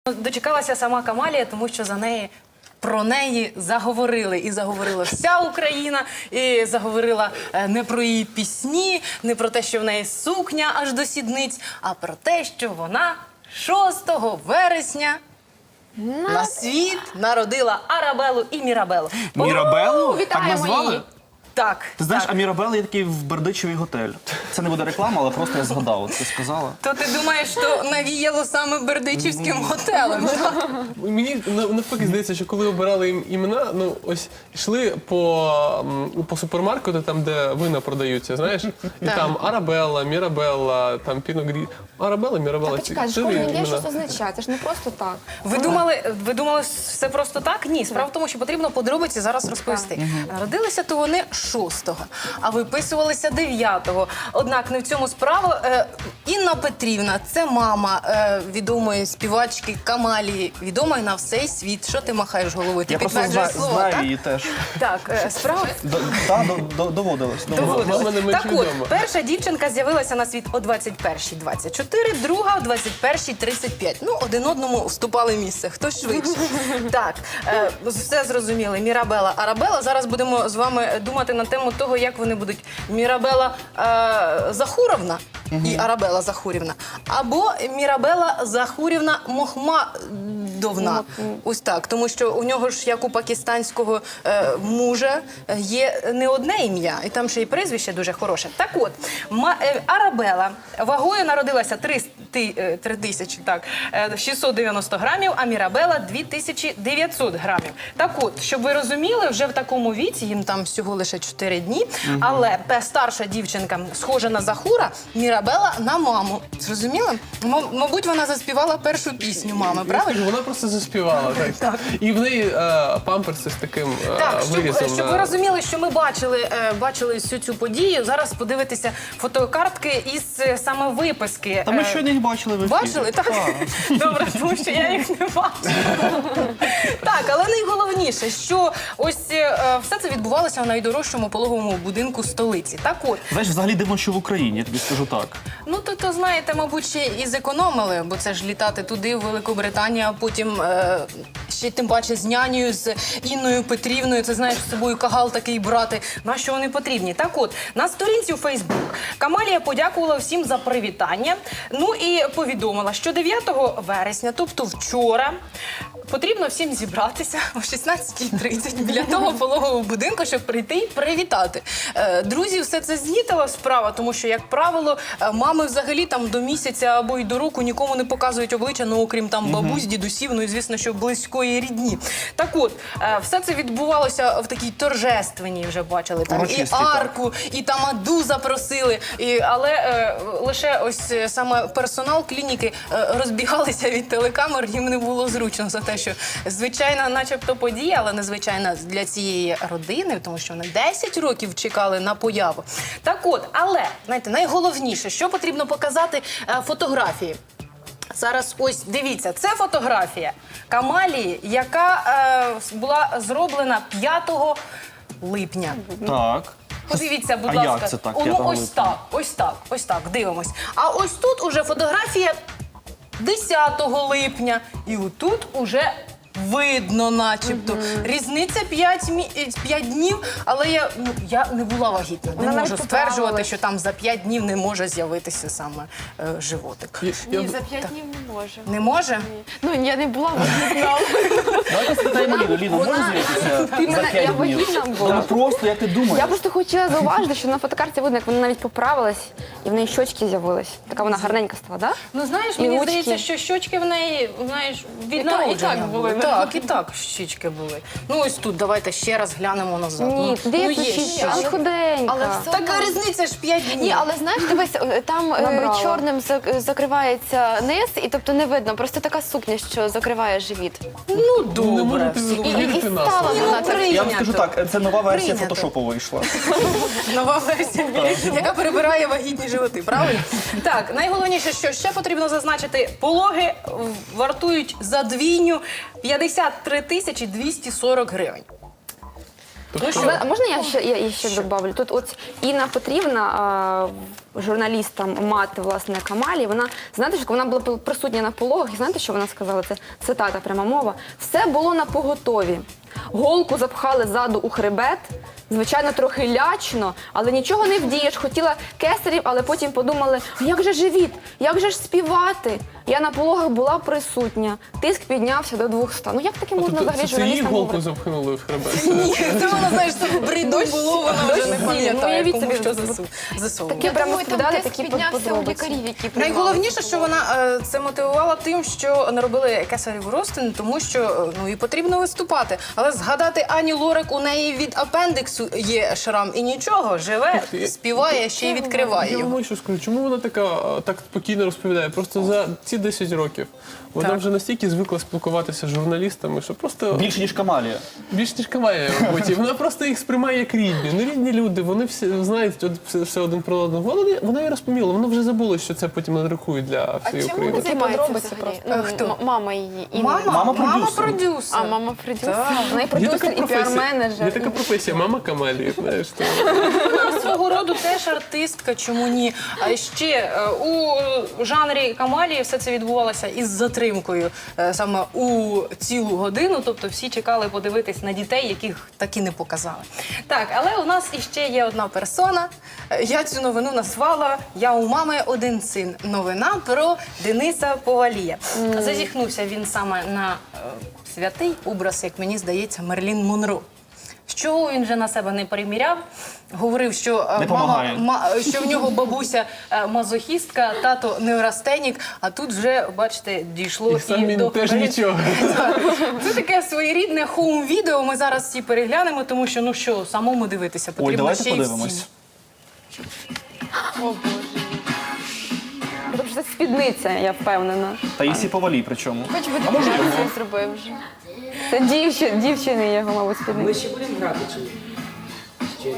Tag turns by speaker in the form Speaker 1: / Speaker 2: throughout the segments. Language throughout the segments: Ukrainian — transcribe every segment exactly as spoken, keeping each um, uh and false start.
Speaker 1: Дочекалася сама Камалія, тому що за неї, про неї заговорили. І заговорила вся Україна, і заговорила е, не про її пісні, не про те, що в неї сукня аж до сідниць, а про те, що вона шостого вересня на, на світ народила Арабеллу і Мірабеллу.
Speaker 2: Мірабеллу? Так
Speaker 3: Вітаємо
Speaker 2: назвали?
Speaker 3: її.
Speaker 1: Так.
Speaker 2: Ти знаєш,
Speaker 1: так.
Speaker 2: а Мірабелла є такий в Бердичеві готель. Це не буде реклама, але просто я згадав, от ти сказала.
Speaker 1: То ти думаєш, що навіяло саме Бердичівським готелем?
Speaker 4: Мені навпаки здається, що коли обирали їм імена, ну ось йшли по, м, по супермаркету, там де вина продаються, знаєш, і
Speaker 1: Так.
Speaker 4: там Арабелла, Мірабелла, там Піногрі. Арабелла, Мірабелла.
Speaker 3: Так, почекай,
Speaker 4: ці
Speaker 3: кожне
Speaker 4: чотири
Speaker 3: ім'я
Speaker 4: імена.
Speaker 3: щось означає, це ж не просто так.
Speaker 1: Ви думали, ви думали, все просто так? Ні, справа в тому, що потрібно подробиці зараз розповісти. Народилися то вони шостого, а виписувалися дев'ятого. Однак не в цьому справа. Е, Інна Петрівна – це мама е, відомої співачки Камалії, відомої на всей світ. Що ти махаєш головою? Ти
Speaker 2: Я просто
Speaker 1: підтверджуєш
Speaker 2: зна-
Speaker 1: слово,
Speaker 2: знаю
Speaker 1: так?
Speaker 2: її теж.
Speaker 1: Так, е, справа...
Speaker 2: Д- Та, до- до- доводилось. доводилось.
Speaker 4: Мама не менш
Speaker 1: Так от,
Speaker 4: відома.
Speaker 1: перша дівчинка з'явилася на світ о двадцять першій двадцять чотири, друга о двадцять першій тридцять п'ять. Ну, один одному вступали місце. Хто швидше. Так, е, все зрозуміли. Мірабелла, Арабелла. Зараз будемо з вами думати на тему того, як вони будуть. Мірабелла е, Захуровна і Арабелла Захурівна. Або Мірабелла Захурівна Мохмадовна. Ось так. Тому що у нього ж, як у пакистанського е, мужа, е, є не одне ім'я, і там ще й прізвище дуже хороше. Так от, Ма, е, Арабелла вагою народилася три тисячі, так, е, шістсот дев'яносто грамів, а Мірабелла дві тисячі дев'ятсот грамів. Так от, щоб ви розуміли, вже в такому віці, їм там всього лише чотири дні, але та старша дівчинка схожа на Захура, Мірабелла на маму. Зрозуміли? М- мабуть, вона заспівала першу пісню мами,
Speaker 4: Я
Speaker 1: правильно?
Speaker 4: скажу, вона просто заспівала. Так. І в неї е, памперси з таким е,
Speaker 1: Так, щоб,
Speaker 4: вирізом.
Speaker 1: щоб
Speaker 4: на-
Speaker 1: ви розуміли, що ми бачили, е, бачили всю цю подію. Зараз подивитися фотокартки із е, саме виписки.
Speaker 2: Та ми
Speaker 1: Е,
Speaker 2: щойно їх бачили в ефірі.
Speaker 1: Бачили? Так? Добре, тому що я їх не бачила. Так, але найголовніше, що ось е, все це відбувалося в найдорожчому пологовому будинку столиці. Так от,
Speaker 2: Знаєш, взагалі дивно, що в Україні, я тобі скажу так.
Speaker 1: ну то, то знаєте, мабуть, ще і зекономили, бо це ж літати туди, в Великобританію, а потім е, ще тим паче з нянею, з Інною Петрівною, це знаєш, з собою кагал такий брати. На що вони потрібні? Так от, на сторінці у Фейсбук Камалія подякувала всім за привітання, ну і повідомила, що дев'ятого вересня, тобто вчора, потрібно всім зібратися о шістнадцятій тридцять біля того пологового будинку, щоб прийти і привітати. Е, Друзі, все це знітила справа, тому що, як правило, е, мами взагалі там до місяця або й до року нікому не показують обличчя, ну окрім там бабусь, дідусів, ну і звісно, що близької рідні. Так от, е, все це відбувалося в такій торжественній, вже бачили, там і
Speaker 2: Урочистій, так.
Speaker 1: арку, і там аду запросили, і, але е, лише ось е, саме персонал клініки е, розбігалися від телекамер, їм не було зручно за те, що звичайна начебто подія, але незвичайна для цієї родини, тому що вони десять років чекали на появу. Так от, але, знаєте, найголовніше, що потрібно показати е, фотографії. Зараз ось дивіться, це фотографія Камалії, яка е, була зроблена п'ятого липня.
Speaker 2: Так.
Speaker 1: Подивіться, будь
Speaker 2: А
Speaker 1: ласка.
Speaker 2: як це так,
Speaker 1: О, ну,
Speaker 2: п'ятого
Speaker 1: ось
Speaker 2: липня?
Speaker 1: так, ось так, ось так, дивимось. А ось тут уже фотографія десятого липня. І отут уже видно начебто. Різниця п'ять днів, але я, ну, я не була вагітна. Не
Speaker 3: Вона навіть
Speaker 1: можу стверджувати,
Speaker 3: поправилась.
Speaker 1: що там за п'ять днів не може з'явитися саме е, животик.
Speaker 4: Я- я-
Speaker 3: Ні, за п'ять днів не може.
Speaker 1: Не може?
Speaker 3: Ну, я не була вагітна.
Speaker 2: Давайте спитаємо Ліну. Ліна, може з'явитися
Speaker 3: Ти
Speaker 2: за
Speaker 3: мене-
Speaker 2: п'ять
Speaker 3: я
Speaker 2: днів?
Speaker 3: вагітна була.
Speaker 2: Та ну просто, як ти думаєш?
Speaker 3: Я просто хотіла зауважити, що на фотокарті видно, як вона навіть поправилась, і в неї щочки з'явились. Така вона гарненька стала, так?
Speaker 1: Ну, знаєш,
Speaker 3: І
Speaker 1: мені
Speaker 3: ручки.
Speaker 1: здається, що щочки в неї, знаєш, від
Speaker 3: І так-
Speaker 1: народження
Speaker 3: і так були, да.
Speaker 1: Так, і так щічки були. Ну, ось тут, давайте ще раз глянемо назад.
Speaker 3: Ні,
Speaker 1: ну,
Speaker 3: де
Speaker 1: ну,
Speaker 3: є
Speaker 1: є
Speaker 3: щічки?
Speaker 1: щічки.
Speaker 3: Але худенька.
Speaker 5: Але все
Speaker 1: Така різниця ж п'ять днів.
Speaker 3: Ні, але знаєш, дивись, е, там е,
Speaker 5: Набрала.
Speaker 3: чорним зак- закривається низ, і тобто не видно, просто така сукня, що закриває живіт.
Speaker 1: Ну,
Speaker 4: Не
Speaker 1: добре.
Speaker 4: можете
Speaker 1: всі.
Speaker 3: І, і, і
Speaker 4: вірити на
Speaker 3: стала
Speaker 4: слово.
Speaker 3: вона
Speaker 1: Ну,
Speaker 3: так.
Speaker 1: при-
Speaker 2: Я вам скажу так, це нова версія
Speaker 1: Прийнято.
Speaker 2: фотошопу вийшла.
Speaker 1: Нова версія, яка перебирає вагітні животи, правильно? Так, найголовніше, що ще потрібно зазначити, пологи вартують за двійню п'ятдесят три тисячі двісті сорок гривень. Ну
Speaker 3: А
Speaker 1: що?
Speaker 3: ви- а можна я ще, я, я ще добавлю? Тут от Інна Петрівна а, журналістам мати, власне, Камалі. Вона, знаєте, що вона була присутня на пологах, і знаєте, що вона сказала? Це цитата, пряма мова. Все було на поготові. Голку запхали ззаду у хребет, звичайно, трохи лячно, але нічого не вдієш. Хотіла кесарів, але потім подумали, як же живіт, як же ж співати? Я на пологах була присутня, тиск піднявся до двохсот. Ну як таке можна
Speaker 4: Тобто
Speaker 3: взагалі
Speaker 4: це, це її
Speaker 3: журналістам
Speaker 4: голку
Speaker 3: говорити?
Speaker 4: запхнули в хребет?
Speaker 1: Ні, це вона, знаєш, це в бриду було, вона вже не
Speaker 3: Ну,
Speaker 1: пам'ятає,
Speaker 3: уявіть
Speaker 1: кому
Speaker 3: собі,
Speaker 1: що засу- засовувала.
Speaker 3: Таке прямо
Speaker 5: Думаю, там
Speaker 3: розповідали,
Speaker 5: тиск
Speaker 3: такі
Speaker 5: піднявся у
Speaker 3: подробиці.
Speaker 5: лікарів, які приймали
Speaker 1: Найголовніше,
Speaker 5: цю
Speaker 1: що вона е, це мотивувала тим, що не робили кесарів розтин, тому що е, ну і потрібно виступати. Але згадати Ані Лорак, у неї від апендиксу є шрам і нічого, живе, співає, ще й відкриває
Speaker 4: Я
Speaker 1: його.
Speaker 4: вам що скажу, чому вона така а, так спокійно розповідає? Просто за ці десять років вона
Speaker 1: Так.
Speaker 4: вже настільки звикла спілкуватися з журналістами, що просто
Speaker 2: Більше, ніж Камалія.
Speaker 4: більш ніж Камалія, мабуть. І вона просто їх сприймає як рідні. Ну рідні люди, вони всі знають от, все, все один про одного. Вона, вона її розповіла, вона вже забула, що це потім надрахують для
Speaker 5: А
Speaker 4: всієї
Speaker 5: чим
Speaker 4: України.
Speaker 5: вона займається
Speaker 3: подробиці
Speaker 5: взагалі?
Speaker 1: просто.
Speaker 5: Ну,
Speaker 1: А хто?
Speaker 5: м- Мама її. Інна.
Speaker 1: Мама,
Speaker 2: Мама
Speaker 1: мама
Speaker 2: продюсер.
Speaker 1: продюсер.
Speaker 5: А мама продюсер.
Speaker 1: Так.
Speaker 3: Вона і продюсер, і піар-менеджер.
Speaker 4: Є така професія, мама Камалії, знаєш. То...
Speaker 1: Вона свого роду теж артистка, чому ні? А ще е, у жанрі Камалії все це відбувалося із затримкою е, саме у цілу годину, тобто всі чекали подивитись на дітей, яких так і не показали. Так, але у нас іще є одна персона. Е, Я цю новину назвала «Я у мами один син». Новина про Дениса Повалія. Зазіхнувся він саме на е, святий образ, як мені здається, Мерлін Монро. Що він вже на себе не приміряв, говорив, що, е,
Speaker 2: Не
Speaker 1: мама,
Speaker 2: помагає.
Speaker 1: ма, що в нього бабуся е, мазохістка, тато неврастенік, а тут вже, бачите, дійшло
Speaker 4: І
Speaker 1: і,
Speaker 4: сам він
Speaker 1: до
Speaker 4: теж
Speaker 1: Мерлін-
Speaker 4: нічого.
Speaker 1: Це таке своєрідне хоум-відео, ми зараз всі переглянемо, тому що, ну що, самому дивитися
Speaker 2: Ой,
Speaker 1: потрібно
Speaker 2: давайте
Speaker 1: ще й
Speaker 2: подивимось.
Speaker 1: всім.
Speaker 3: Тому що це спідниця, я впевнена.
Speaker 2: Таїсі Повалій причому.
Speaker 5: Хоч би декорацію зробив вже.
Speaker 3: Це дівчини, дівчини його, мабуть, спідниця.
Speaker 6: Ми ще будемо грати чи ні? Ще.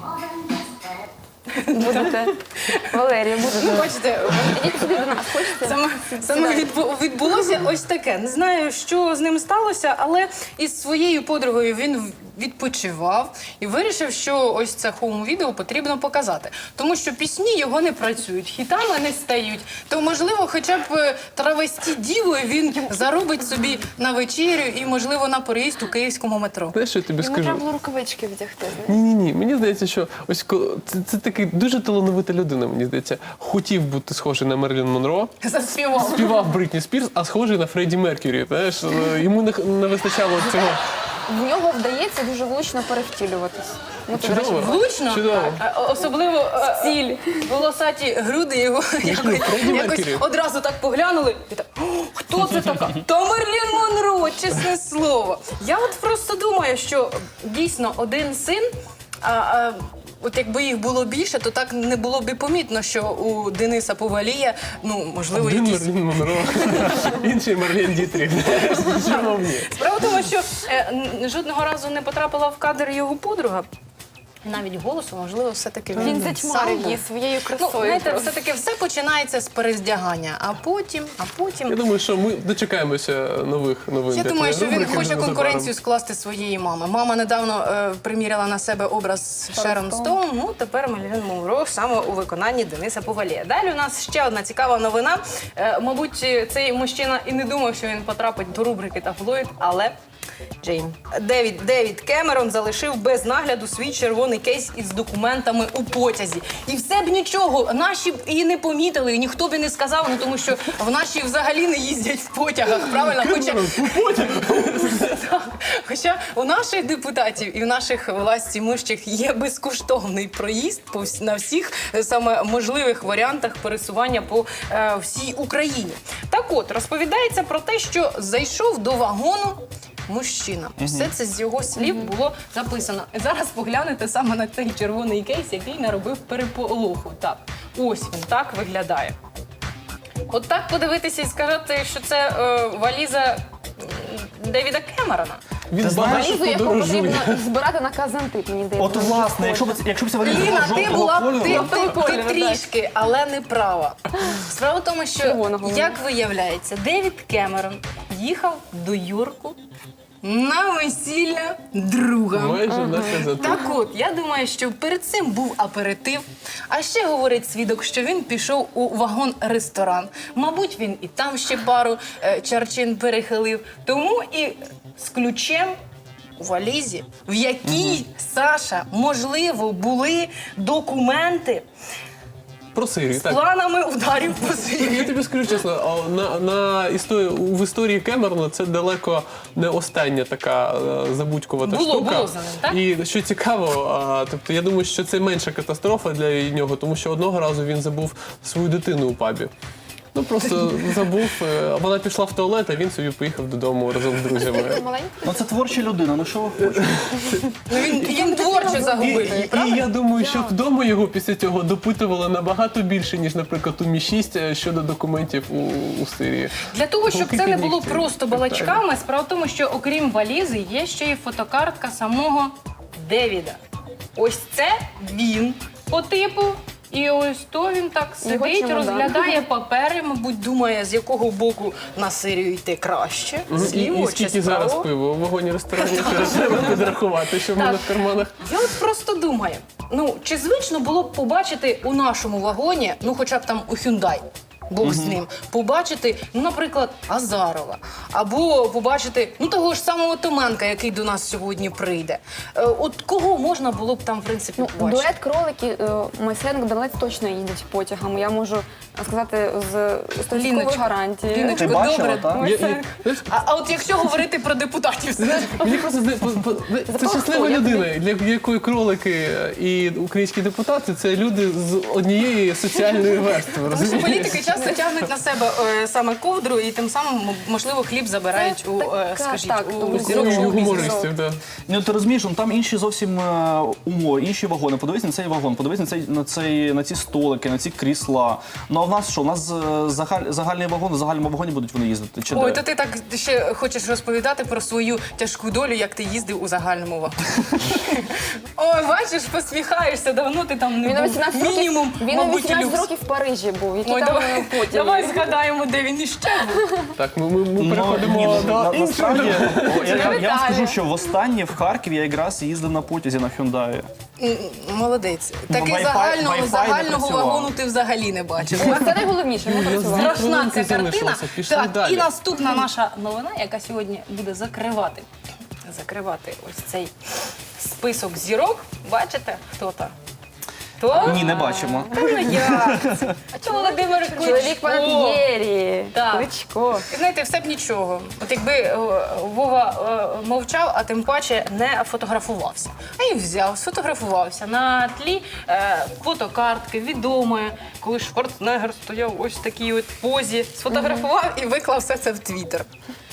Speaker 3: Будете. Валерія,
Speaker 1: Ну,
Speaker 3: будете.
Speaker 1: бачите,
Speaker 3: Ідіть сюди до нас, хочете?
Speaker 1: Саме, саме відбу- відбулося ось таке. Не знаю, що з ним сталося, але із своєю подругою він відпочивав і вирішив, що ось це хоум-відео потрібно показати. Тому що пісні його не працюють, хітами не стають. То, можливо, хоча б е, травесті дівою він заробить собі на вечерю і, можливо, на переїзд у київському метро.
Speaker 4: Знаєш, що я тобі
Speaker 5: Йому
Speaker 4: скажу?
Speaker 5: треба було рукавички вдягти.
Speaker 4: Ні, ні, ні. Мені здається, що ось ко- це, це такий дуже талановита людина. Мені здається, хотів бути схожий на Мерлін Монро.
Speaker 1: Заспівав.
Speaker 4: Співав Бритні Спірс, а схожий на Фредді Меркюрі. Знаєш, е, йому не, не вистачало цього.
Speaker 3: В нього вдається дуже влучно перевтілюватись. Ну, це, до речі,
Speaker 4: Чудово.
Speaker 1: Влучно,
Speaker 4: Чудово.
Speaker 1: а, особливо е,
Speaker 3: Ціль.
Speaker 1: волосаті груди його якось,
Speaker 4: Фредді
Speaker 1: якось
Speaker 4: Меркюрі.
Speaker 1: одразу так поглянули. І так, «О, хто це така? Та Мерлін Монро, чесне слово. Я от просто думаю, що дійсно один син, а, а, от якби їх було більше, то так не було б і помітно, що у Дениса Повалія, ну, можливо,
Speaker 4: Один
Speaker 1: якісь...
Speaker 4: Мерлін Монро, інший Марлен Дітріх. Чому ні?
Speaker 1: Справа в тому, що е, н- жодного разу не потрапила в кадр його подруга. Навіть голосу, можливо, все-таки він,
Speaker 5: Він
Speaker 1: сам
Speaker 5: затьмарив
Speaker 1: був.
Speaker 5: її своєю
Speaker 1: Ну,
Speaker 5: красою.
Speaker 1: знаєте,
Speaker 5: просто.
Speaker 1: все-таки все починається з перездягання, а потім, а
Speaker 4: Я
Speaker 1: потім...
Speaker 4: думаю, що ми дочекаємося нових новин.
Speaker 1: Я
Speaker 4: для
Speaker 1: думаю, що
Speaker 4: твоєї
Speaker 1: він
Speaker 4: рубрики
Speaker 1: хоче
Speaker 4: вже
Speaker 1: конкуренцію
Speaker 4: незабаром.
Speaker 1: скласти своєї мами. Мама недавно е, приміряла на себе образ Шерон Стоун, ну тепер Мерлін Монро саме у виконанні Дениса Повалія. Далі у нас ще одна цікава новина. Е, мабуть, цей мужчина і не думав, що він потрапить до рубрики «Таблоїд», але... Джейн. Девід, Девід Кемерон залишив без нагляду свій червоний кейс із документами у потязі. І все б нічого, наші б і не помітили, і ніхто б і не сказав, ну тому що в наші взагалі не їздять в потягах, правильно? Хоча, Так. Хоча у наших депутатів і в наших властімущих є безкоштовний проїзд по вс- на всіх е, саме можливих варіантах пересування по е, всій Україні. Так от, розповідається про те, що зайшов до вагону мужчина. Все це з його слів було записано. Зараз поглянете саме на цей червоний кейс, який наробив переполоху. Так, ось він так виглядає. От так подивитися і сказати, що це е, валіза м, Девіда Кемерона.
Speaker 4: Він
Speaker 2: Ти знаєш,
Speaker 4: багато
Speaker 3: Валізу, яку
Speaker 4: подорожує.
Speaker 3: потрібно збирати на казантип, мені здається.
Speaker 2: От власне, якщо б якщо б ця валіза була
Speaker 1: Ліна, ти
Speaker 2: жовтого
Speaker 1: була
Speaker 2: кольору,
Speaker 1: ти, ти, ти
Speaker 3: кольору,
Speaker 1: трішки, але не права. Справа в тому, що,
Speaker 3: Червоного.
Speaker 1: як виявляється, Девід Кемерон їхав до Йорку на весілля друга.
Speaker 4: Майже наказати.
Speaker 1: Так от, я думаю, що перед цим був аперитив. А ще говорить свідок, що він пішов у вагон-ресторан. Мабуть, він і там ще пару е, чарчин перехилив. Тому і з ключем у валізі, в якій, Саша, можливо, були документи
Speaker 4: Про Сирію,
Speaker 1: з
Speaker 4: так.
Speaker 1: планами ударів по Сирії.
Speaker 4: Я тобі скажу чесно, а на, на історії, в історії Кемерона це далеко не остання така е, забудькувата
Speaker 1: Було,
Speaker 4: штука.
Speaker 1: було за ним, так?
Speaker 4: І що цікаво, а, тобто я думаю, що це менша катастрофа для нього, тому що одного разу він забув свою дитину у пабі. Ну просто забув, е, вона пішла в туалет, а він собі поїхав додому разом з друзями.
Speaker 3: Маленький.
Speaker 2: Ну це творча людина, ну що ви хочете?
Speaker 1: Ну, він, він творчо
Speaker 4: І,
Speaker 1: загубив.
Speaker 4: і, і я думаю, що вдома його після цього допитували набагато більше, ніж, наприклад, у Мі шість щодо документів у, у Сирії.
Speaker 1: Для того, щоб це не було
Speaker 4: Руки
Speaker 1: просто
Speaker 4: нігті.
Speaker 1: балачками, справа в тому, що окрім валізи є ще й фотокартка самого Девіда. Ось це він по типу. І ось то він так
Speaker 3: Його
Speaker 1: сидить,
Speaker 3: чемодан.
Speaker 1: розглядає папери, мабуть, думає, з якого боку на Сирію йти краще,
Speaker 4: І,
Speaker 1: зліво
Speaker 4: і
Speaker 1: чи
Speaker 4: скільки зараз
Speaker 1: справа.
Speaker 4: пиво у вагоні ресторані треба підрахувати, що в мене в карманах.
Speaker 1: Я от просто думаю, ну чи звично було б побачити у нашому вагоні, ну хоча б там у Hyundai, Бог з ним, побачити, ну, наприклад, Азарова, або побачити ну того ж самого Томенка, який до нас сьогодні прийде. Е, от кого можна було б там, в принципі,
Speaker 3: Ну,
Speaker 1: побачити?
Speaker 3: дует кролики, Майсенко Данилець точно їздять потягом. Я можу сказати з стовідсотковою
Speaker 1: Ліночка.
Speaker 3: гарантією.
Speaker 1: Ліночка,
Speaker 2: Ти бачила,
Speaker 1: добре.
Speaker 2: так?
Speaker 4: Я- я- знаєш,
Speaker 1: А, а от якщо говорити про депутатів, знаєш,
Speaker 4: Мені просто зда- по- по- це
Speaker 3: Запах
Speaker 4: щаслива
Speaker 3: хто?
Speaker 4: людина, для якої кролики і українські депутати це люди з однієї соціальної верстви.
Speaker 1: тому що
Speaker 4: розумієш?
Speaker 1: політики часто тягнуть на себе е, саме ковдру і тим самим, м- можливо, хліб забирають у, е,
Speaker 3: така,
Speaker 1: скажіть,
Speaker 3: так,
Speaker 1: у
Speaker 3: тому
Speaker 1: зірок
Speaker 4: У
Speaker 1: шоу-бізнесу.
Speaker 4: гумористів, так.
Speaker 2: Ну ти розумієш, ну, там інші зовсім е, умови, інші вагони. Подивись на цей вагон, подивись на цей на цей на ці столики, на ці крісла. Ну а в нас що? У нас е, загаль, загальний вагон, в загальному вагоні будуть вони їздити. Чи
Speaker 1: Ой,
Speaker 2: де?
Speaker 1: то ти так ще хочеш розповідати про свою тяжку долю, як ти їздив у загальному вагоні. Ой, бачиш, посміхаєшся, давно ти там не
Speaker 3: Він у
Speaker 1: був.
Speaker 3: вісімнадцять років,
Speaker 1: Мінімум,
Speaker 3: він у
Speaker 1: мабуть,
Speaker 3: вісімнадцять
Speaker 1: люкс.
Speaker 3: років в Парижі був. Які
Speaker 1: Ой,
Speaker 3: там
Speaker 1: давай,
Speaker 3: е, потяги?
Speaker 1: давай згадаємо, де він іще був.
Speaker 4: Так, ми, ми, ми
Speaker 2: Ну,
Speaker 4: переходимо
Speaker 2: ні, ну,
Speaker 4: до
Speaker 2: на-
Speaker 4: іншого.
Speaker 2: насправді, о, я, я, я вам
Speaker 1: Вітаю.
Speaker 2: скажу, що востаннє в Харкові я якраз їздив на потязі на Hyundai.
Speaker 1: М, Молодець. Такий
Speaker 2: Wi-Fi-
Speaker 1: загального,
Speaker 2: Wi-Fi не
Speaker 1: загального
Speaker 2: працював.
Speaker 1: вагону ти взагалі не бачив.
Speaker 3: Ось це найголовніше, ми працювали.
Speaker 1: Страшна
Speaker 4: хвилинки
Speaker 1: ця картина.
Speaker 4: залишилося, пішли
Speaker 1: Так,
Speaker 4: далі.
Speaker 1: і наступна наша новина, яка сьогодні буде закривати, закривати ось цей список зірок. Бачите, хто там? Хто?
Speaker 2: Ні, не бачимо.
Speaker 1: Та ну як це? А чого Володимир
Speaker 3: Чоловік
Speaker 1: Кличко?
Speaker 3: Панат'єрі,
Speaker 1: Так.
Speaker 3: Кличко.
Speaker 1: І знаєте, все б нічого. От якби е, Вова е, мовчав, а тим паче не фотографувався. А і взяв, сфотографувався на тлі е, фотокартки відомої, коли Шварценеггер стояв ось в такій от позі, сфотографував і виклав все це в Твіттер.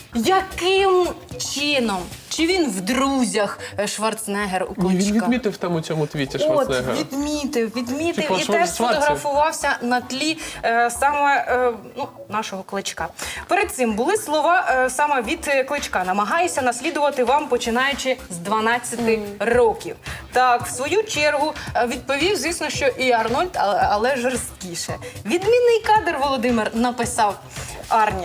Speaker 1: Яким чином? Чи він в друзях е, Шварценеггер у
Speaker 4: Ні, він
Speaker 1: Кличка?
Speaker 4: відмітив там у цьому твіті
Speaker 1: От,
Speaker 4: Шварценеггера.
Speaker 1: відмітив, відмітив
Speaker 4: Типу,
Speaker 1: і
Speaker 4: Швар-
Speaker 1: теж
Speaker 4: Шварцев.
Speaker 1: сфотографувався на тлі е, саме е, ну, нашого Кличка. Перед цим були слова е, саме від е, Кличка. Намагаюся наслідувати вам, починаючи з дванадцяти років. Так, в свою чергу е, відповів, звісно, що і Арнольд, але, але жорсткіше. Відмінний кадр, Володимир, написав Арні.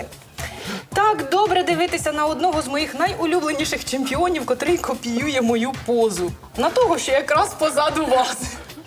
Speaker 1: Так добре дивитися на одного з моїх найулюбленіших чемпіонів, котрий копіює мою позу. На того, що якраз позаду вас.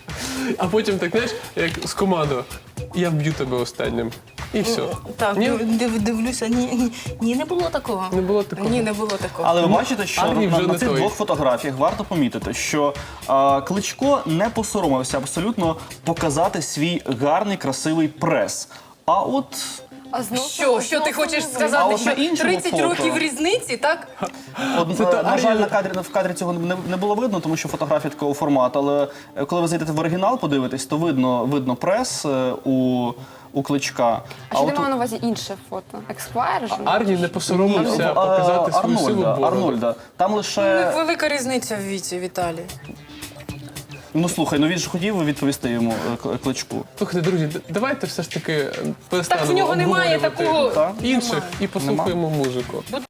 Speaker 4: А потім так, знаєш, як з командою. Я вб'ю тебе останнім. І все.
Speaker 1: Так,
Speaker 4: Ні?
Speaker 1: див, дивлюся, ні, ні, ні, не було такого.
Speaker 4: Не було такого.
Speaker 1: Ні, не було такого.
Speaker 2: Але ви бачите, що
Speaker 4: Армій
Speaker 2: на,
Speaker 4: вже
Speaker 2: на
Speaker 4: не
Speaker 2: цих
Speaker 4: той.
Speaker 2: двох фотографіях варто помітити, що а, Кличко не посоромився абсолютно показати свій гарний, красивий прес. А от
Speaker 3: А знов
Speaker 1: Що, що ти хочеш
Speaker 2: А
Speaker 1: сказати,
Speaker 2: от на
Speaker 1: що
Speaker 2: іншому
Speaker 1: тридцять
Speaker 2: фото.
Speaker 1: років різниці, так?
Speaker 2: От,
Speaker 4: Це
Speaker 2: е,
Speaker 4: та
Speaker 2: на жаль,
Speaker 4: Арія-
Speaker 2: на кадрі в кадрі цього не, не було видно, тому що фотографія такого формату. Але е, коли ви зайдете в оригінал, подивитесь, то видно, видно прес е, у, у Кличка.
Speaker 3: А що ти
Speaker 2: от
Speaker 3: мав на увазі інше фото? Ексквайр? ж?
Speaker 4: Арні не
Speaker 2: ні,
Speaker 4: посоромився
Speaker 2: в,
Speaker 4: показати
Speaker 2: е,
Speaker 4: свою силу
Speaker 2: Арнольда,
Speaker 4: бороду.
Speaker 2: Арнольда. Там лише
Speaker 1: Велика різниця в віці, Віталій.
Speaker 2: ну слухай, ну він ж хотів відповісти йому е, Кл- Кличку.
Speaker 4: Слухайте, друзі, д- давайте все ж таки перестанемо
Speaker 1: Так в нього немає
Speaker 4: обговорювати
Speaker 1: такого.
Speaker 2: Так?
Speaker 4: інших
Speaker 1: Немає.
Speaker 4: і послухаємо музику.